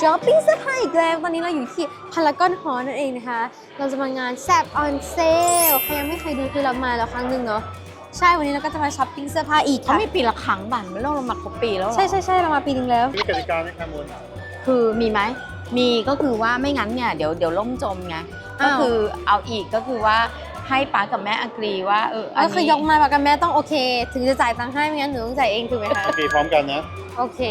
ช้อปปิ้งเสื้อผ้าอีกแล้วตอนนี้เราอยู่ที่พารากอนฮอลล์นั่นเองนะคะเราจะมางานแซบออนเซลใครยังไม่เคยดูคือเรามาแล้วครั้งหนึ่งเนาะใช่วันนี้เราก็จะมาช้อปปิ้งเสื้อผ้าอีกค่ะเขาไม่ปีละครั้งบันไม่ต้องเรามาครบปีแล้วหรอใช่เรามาปีนึงแล้วมีกติกาไหมคะมูลคือมีไหมมีก็คือว่าไม่งั้นเนี่ยเดี๋ยวล่มจมไงก็คือเอาอีกก็คือว่าให้ป้ากับแม่อักรีว่าก็คือยกมากับแม่ต้องโอเคถึงจะจ่ายตังค์ให้ไม่งั้นหนูต้องจ่ายเองถูกไหมคะโอเคพร้อมกันนะโอเค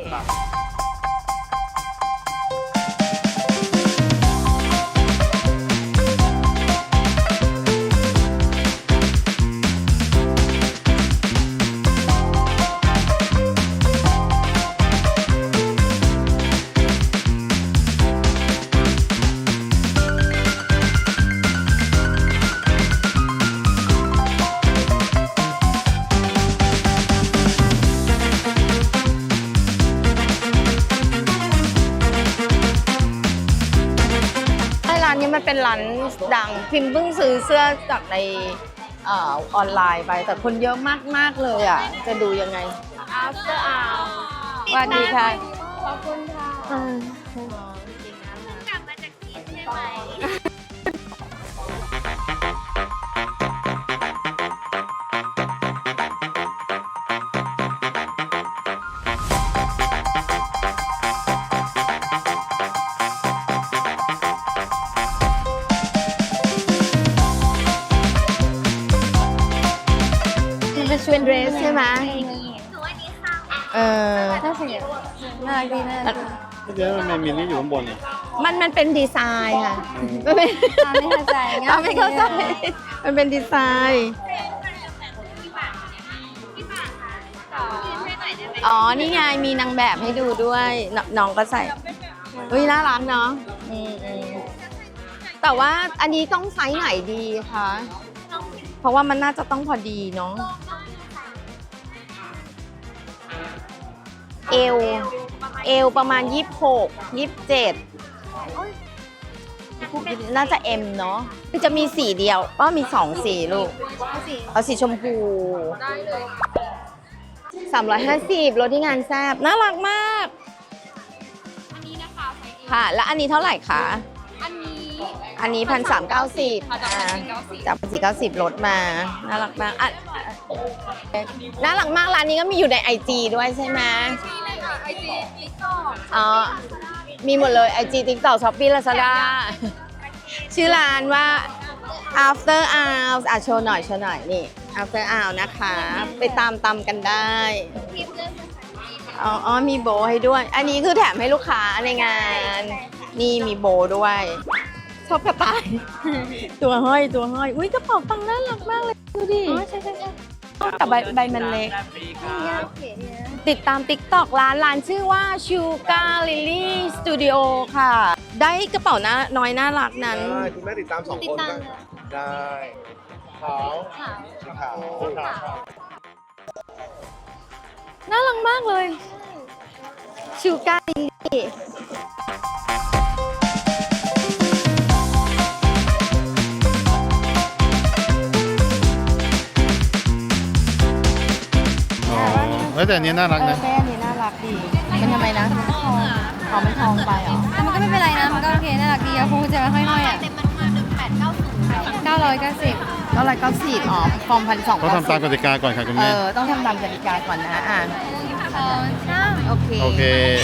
ร้านนี้มันเป็นร้านดังพิมพ์เพิ่งซื้อเสื้อจากในออนไลน์ไปแต่คนเยอะมากเลยอ่ะจะดูยังไง after hour สวัสดีค่ะขอบคุณค่ะกลับมาจากจีนใช่ไหมเป็นเดรสใช่ไหมน่าสนใจน่ารักดีน่ารักเดี๋ยวมันมีนี่อยู่ข้างบนนี่มันเป็นดีไซน์ค่ะมันเป็นไม่เข้าใจไม่เข้าใจมันเป็นดีไซน์อ๋อนี่ไงมีนางแบบให้ดูด้วยน้องก็ใส่น่ารักเนาะแต่ว่าอันนี้ต้องไซส์ไหนดีคะเพราะว่ามันน่าจะต้องพอดีเนาะเอวประมาณ26 27น่าจะ M เนาะคือจะมีสีเดียวก็มี2สีลูกเอาสีชมพู350รถที่งานแซบน่ารักมากอันนี้นะคะค่ะแล้วอันนี้เท่าไหร่คะอันนี้1,390จาก1,490ลดมาน่ารักมากน่ารักมากร้านนี้ก็มีอยู่ใน IG ด้วยใช่ไหมIG TikTok อ๋อมีหมดเลย IG TikTok Shopee Lazada ชื่อร้านว่า After Hours โชว์หน่อยนี่ After Hours นะคะไปตามกันได้อ๋อมีโบให้ด้วยอันนี้คือแถมให้ลูกค้าในงานนี่มีโบด้วยชอบกระต่ายตัวห้อยอุ้ยกระเป๋าตังค์น่ารักมากเลยดูดิใช่แต่ใบมันเล็กติดตาม TikTok ร้านชื่อว่า Sugar Lily Studio ค่ะได้กระเป๋าน้อยน่ารักนั้นได้คุณแม่ติดตาม2 คนได้ขาวน่ารักมากเลย Sugar Lily แต่อันนี้น่ารักนะแม่อันนี้น่ารักดีมันทำไมนะมันทองไปเหรอแต่มันก็ไม่เป็นไรนะมันก็โอเคน่ารักดีคงจะห้อยๆอ่ะ990อ๋อฟอร์ม1,290 ต้องทำตามกติกาก่อนค่ะคุณแม่ต้องทำตามกติกาก่อนนะโอเค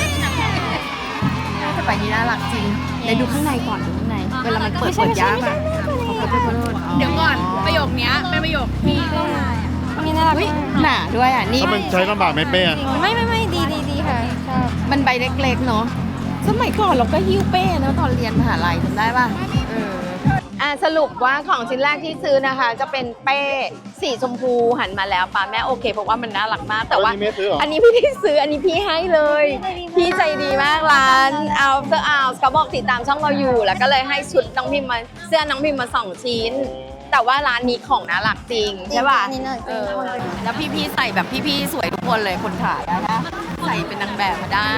แต่ไปนี้น่ารักจริงเดี๋ยวดูข้างในก่อนดูข้างในเวลามันเปิดยากอ่ะเดี๋ยวก่อนประโยคนี้เป็นประโยคที่นี่น่ารักหนาด้วยอ่ะนี่มันใช้ลำบากไหมเป้ไม่ดีค่ะชอบมันใบเล็กๆเนาะสมัยก่อนเราก็หิ้วเป้เนาะตอนเรียนมหาลัยจำได้ป่ะสรุปว่าของชิ้นแรกที่ซื้อนะคะจะเป็นเป้สีชมพูหันมาแล้วป้าแม่โอเคเพราะว่ามันน่ารักมากแต่ว่าอันนี้พี่ที่ซื้ออันนี้พี่ให้เลยพี่ใจดีมากร้าน After Hours เขาบอกติดตามช่องเราอยู่แล้วก็เลยให้ชุดน้องพิมมาเสื้อน้องพิมมา2 ชิ้นแต่ว่าร้านนี้ของน่ารักจริงใช่ป่ะแล้วพี่ใส่แบบพี่สวยทุกคนเลยคนขายนะใส่เป็นนางแบบมาได้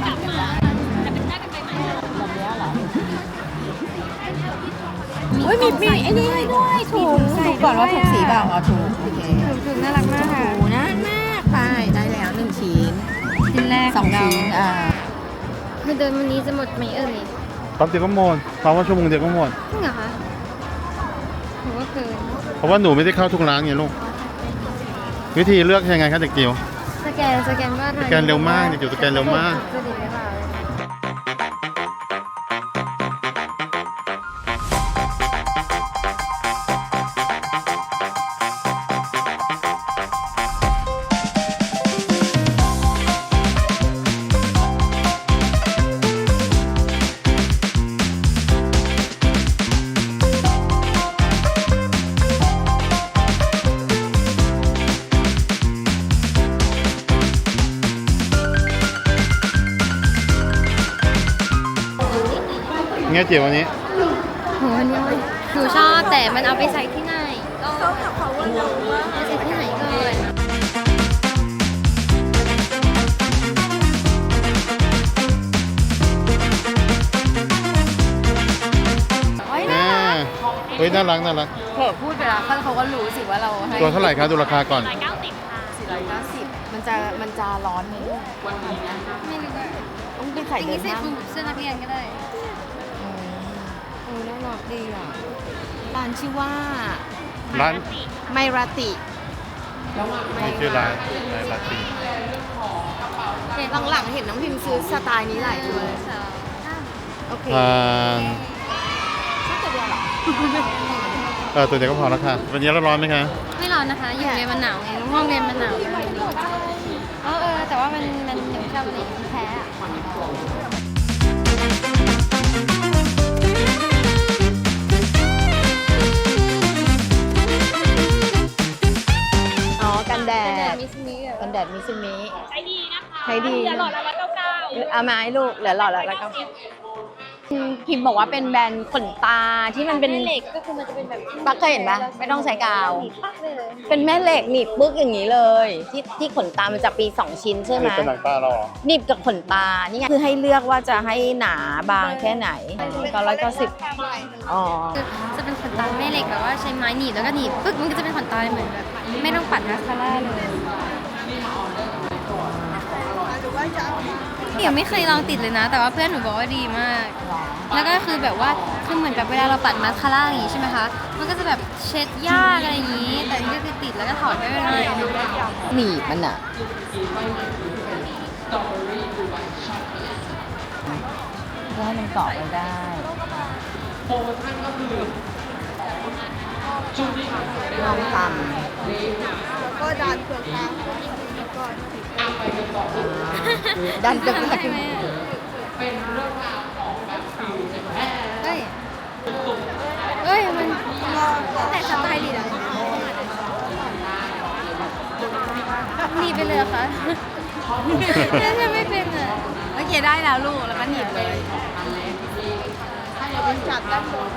มีไอ้นี่ด้วยถูกก่อนว่าถูกสีเปล่าถูกโอเคถูกน่ารักมากค่ะน่ารักมากไปได้แล้ว1 ชิ้นแรก 2 ชิ้นดูคือเดินวันนี้จะหมดไหมเอ่ยแป๊บเดียวก็หมดเพราะว่าชั่วโมงเดียวก็หมดจริงเหรอคะหรือว่าเกินเพราะว่าหนูไม่ได้เข้าทุกร้านไงลูก วิธีเลือกยังไงคะเด็กจิ๋วสแกนว่าสแกนเร็วมากเด็กจิ๋วสแกนเร็วมากจะดีหรือเปล่าเงี้ยจิ๋ววันนี้โหอันนี้หนูชอบแต่มันเอาไปใส่ที่ไหนก็เขากับเขาว่าเราว่าใส่ที่ไหนก่อนโอ้ยน่ารักเฮ้ยน่ารักน่ารักเผื่อพูดไปแล้วเขาก็รู้สิว่าเราให้ตัวเท่าไหร่คะดูราคาก่อน 490มันจะร้อนไหมลูกไม่รู้ว่าต้องไปใส่จเดิรินงๆใส่ห้างคลุมเสื้อนักเรียนก็ได้โอ้น่ารักดีอ่ะร้านชื่อว่าร้านไมราติมีชื่อร้านในลาตินหลังๆเห็นน้องพิมพ์ซื้อสไตล์นี้หลายตัวเลยโอเค ชอบตัวเดียวเหรอตัวเดียวก็พอแล้วค่ะ วันนี้ร้อนไหมคะไม่ร้อนนะคะ อยู่ในมันหนาวไงห้องเรียนมันหนาวแต่ว่ามันหนูชอบอันนี้แพ้อะอ๋อ กันแดดมิสมิกันแดดมิซูมิใช้ดีนะคะใช้ดีเหลือหลอดละ199เอามาให้ลูกเหลือหลอดละพิมพ์บอกว่าเป็นแบรนด์ขนตาที่มันเป็นเหล็กก็คือมันจะเป็นแบบปักเคยเห็นปะไม่ต้องใช้กาวปักเลยเป็นแม่เหล็กหนีบปึ๊กอย่างนี้เลย ที่ขนตามันจะปี2ชิ้นใช่ไหมเป็นหนังตาเราเหรอหนีบกับขนตานี่ไงคือให้เลือกว่าจะให้หนาบางแค่ไหน990อ๋อคือจะเป็นขนตาแม่เหล็กแบบว่าใช้ไม้หนีบแล้วก็หนีบปึ๊กมันก็จะเป็นขนตาเหมือนแบบไม่ต้องปัดมาสคาร่าเลยเดี๋ยวไม่เคยลองติดเลยนะ แต่ว่าเพื่อนหนูบอกว่าดีมาก แล้วก็คือแบบว่าคือเหมือนกับเวลาเราปัดมาสคาร่าอย่างงี้ใช่ไหมคะ มันก็จะแบบเช็ดยากอะไรอย่างงี้ แต่นี่ก็คือติดแล้วก็ถอดไม่เป็นไรหนีบมันอะก็ให้มันเกาะไปได้ลองทำก็ดันเปลือกตาดันเปลือกทำตาได้ไหมเฮ้ยมันแต่สไตล์ดีอะหนีบไปเลยเหรอคะถ้าไม่เป็นอะโอเคได้แล้วลูกแล้วก็หนีบเลยจับด้านบน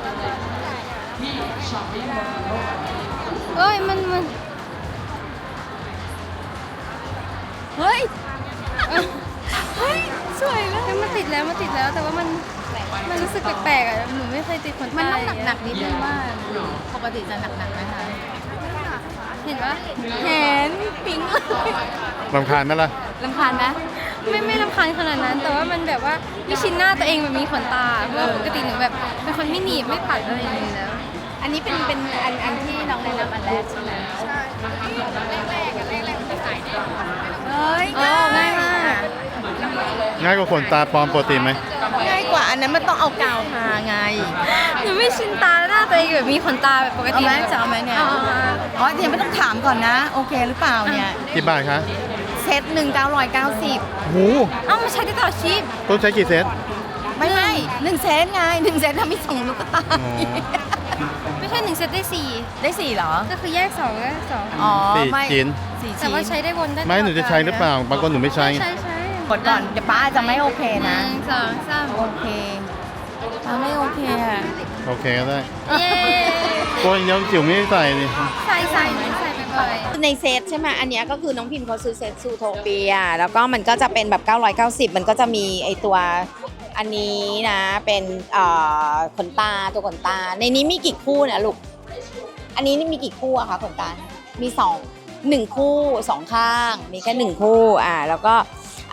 เอ้ยมันเฮ้ยสวยแล้วมันติดแล้วแต่ว่ามันรู้สึกแปลกๆอ่ะหนูไม่เคยติดขนตามันต้องหนักๆนิดนึงว่าปกติจะหนักๆไหมคะเห็นปะเห็นปิ๊งเลยรำคาญไหมล่ะรำคาญไหมไม่รำคาญขนาดนั้น แต่ว่ามันแบบว่าไม่ชินหน้าตัวเองแบบมีขนตาเพราะว่าปกติหนูแบบเป็นคนไม่หนีบไม่ปัดอะไรอย่างนี้แล้วอันนี้เป็นอันที่น้องแนะนำอันแรกใช่ไหมใช่แรกมันจะขายได้เฮ้ยง่ายมากง่ายกว่าขนตาปลอมปกติไหมง่ายกว่าอันนั้นมันต้องเอากาวทาไงหนูไม่ชินตาหน้าตัวเองแบบมีขนตาแบบปกเอาติไหมจะเอาไหมเนี่ยเอามาอ๋อเดี๋ยวไม่ต้องถามก่อนนะ โอเคหรือเปล่าเนี่ยกี่บาทคะเซต1 990 โหเอ้ามาใช้ได้ตลอดชีพต้องใช้กี่เซตไม่1เซตไง1เซตทำให้2ลูกตาอ๋อไม่ใช่1 เซตได้ได้4เหรอ 4ก็คือแยก2ก็2 อ๋อสี่ไม่ชิ้น 4 แต่ชิ้นว่าใช้ได้วนได้ไม่หนูจะใช้หรือเปล่า บางคนหนูไม่ใช้ไงใช่กดก่อนเดี๋ยวป้าจะไม่โอเคนะ 1 2 3 โอเคป้าไม่โอเคอ่ะโอเคก็ได้เย้ตัวเดียวจิ๋วไม่ได้ใส่นี่ใส่ไปบ่อยในเซตใช่ไหมอันเนี้ยก็คือน้องพิมพ์เขาซื้อเซตซูโทเปียแล้วก็มันก็จะเป็นแบบ990มันก็จะมีไอตัวอันนี้นะเป็นขนตาตัวขนตาในนี้มีกี่คู่นะลูกอันนี้นี่มีกี่คู่อะคะขนตามี1 คู่ 2 ข้างมีแค่1 คู่แล้วก็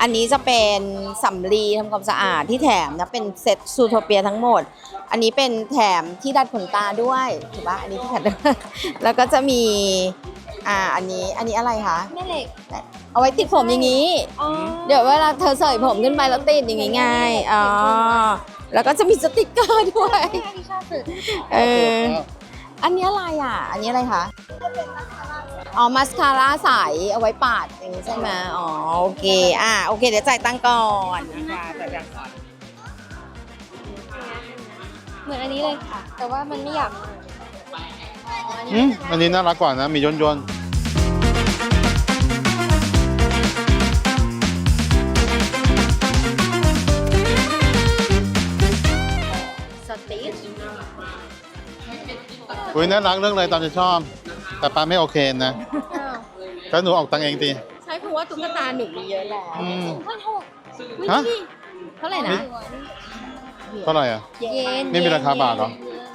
อันนี้จะเป็นสำลีทำความสะอาดที่แถมนะเป็นเซ็ตซูโทเปียทั้งหมด อันนี้เป็นแถมที่ดัดขนตาด้วยถูกปะอันนี้ที่ดัด แล้วก็จะมีอันนี้อะไรคะแม่เหล็กเอาไว้ติดผมอย่างนี้อ๋อเดี๋ยวเวลาเธอเสยผมขึ้นไปแล้วติดอย่างงี้ไงอ๋อแล้วก็จะมีสติกเกอร์ด้วยที่ชอบสุดอันนี้อะไรอ่ะ อันนี้อะไรคะอ๋อมาสคาร่าใสเอาไว้ปาดอย่างนี้ใช่ไหมอ๋อโอเคโอเคเดี๋ยวจ่ายตังค์ก่อนนะคะจ่ายตังค์ก่อนเหมือนอันนี้เลยค่ะ แต่ว่ามันไม่อยากอันนี้น่ารักกว่านะ มีย่นสติชๆอุ้ยน่ารักเรื่องอะไรตามจะชอบ แต่ป้าไม่โอเคนะถ้าหนูออกตังค์เองตีใช่เพราะว่าตุ๊กตาหนูมีเยอะแล้วฮะเท่าไหร่นะเท่าไหร่อ่ะเย็นไม่มีราคาบาทเหรอ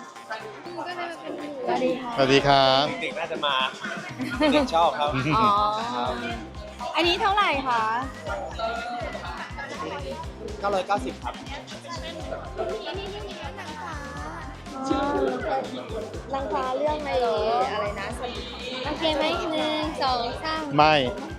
สวัสดีครับเด็กน่าจะมา เด็กชอบครับอ๋ออันนี้เท่าไหร่คะ 990 ครับลังคาเรื่องอะไรนะโอเคไหม1 2 3 ไม่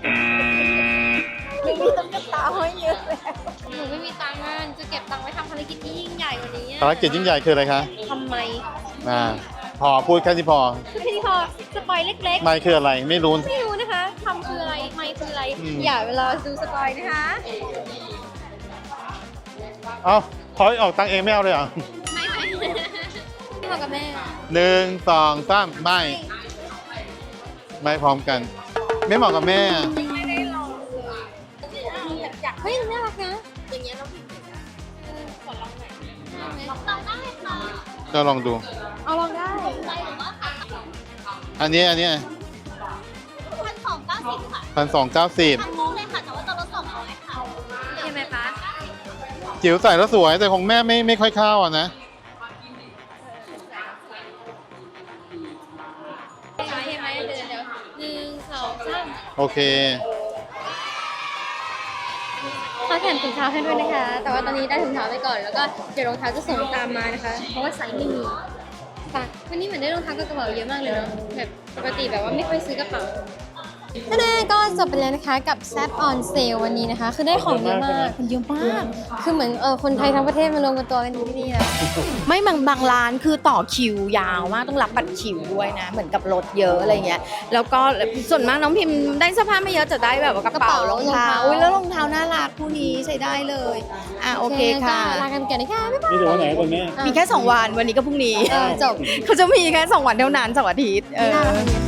ไม่มีตุ๊กตาห้อยเยอะเลยหนูไม่มีตังค์จะเก็บตังค์ไว้ทำภารกิจที่ยิ่งใหญ่กว่านี้ภารกิจยิ่งใหญ่คืออะไรคะทำไมพอพูดแค่นี้พอคือที่พอสปอยเล็กไม่คืออะไร ไม่รู้ๆ ไม่รู้นะคะทำคืออะไรไม่คืออะไรอืมอย่าเวลาดูสปอยนะคะเอ้าพอยออกตังค์เองไม่เอาเลยเหรอไม่เหมาะกับแม่ 1 2 3ไม่ ไม่พร้อมกัน ไม่เหมาะกับแม่เฮ้ยน่ารักนะอย่างเงี้ยเราพิมพ์ขอลองหน่อยลองได้ค่ะก็ลองดูเอาลองได้อันนี้ 1,290 ค่ะ 1,290 ทั้งคู่เลยค่ะ แต่ว่าตัวละ200ค่ะใช่ไหมคะจิ๋วใส่แล้วสวย แต่ของแม่ไม่ค่อยเข้าอ่ะนะใช่ไหมเดี๋ยว1 2 3 โอเคเขาแถมถุงเท้าให้ด้วยนะคะ แต่ว่าตอนนี้ได้ถุงเท้าไปก่อน แล้วก็เดี๋ยวรองเท้าจะส่งตามมานะคะ เพราะว่าไซส์ไม่มีค่ะวันนี้เหมือนได้รองเท้ากับกระเป๋าเยอะมากเลยเนาะ แบบปกติแบบว่าไม่ค่อยซื้อกระเป๋าแน่ก็จบไปแล้วนะคะกับแซปออนเซลวันนี้นะคะ คือได้ของเยอะมากเยอะมาก คือเหมือนคนไทยทั้งประเทศมารวมกันตัวกันที่นี่แล้วไม่บางร้านคือต่อคิวยาวมากต้องรับบัตรคิวด้วยนะ เหมือนกับรถเยอะอะไรเงี้ยแล้วก็ส่วนมากน้องพิมพ์ได้เสื้อผ้าไม่เยอะจะได้แบบว่ากระเป๋ารองเท้าอุ้ยแล้วรองเท้าน่ารักคู่นี้ใช้ได้เลยโอเคค่ะลากันไปก่อนนะคะบ๊ายบายนี่ถึงวันไหนก่อนแม่มีแค่ 2 วันวันนี้ก็พรุ่งนี้จบเขาจะมีแค่ 2 วันเท่านั้นเสาร์อาทิตย์ไม่น่ารักเลย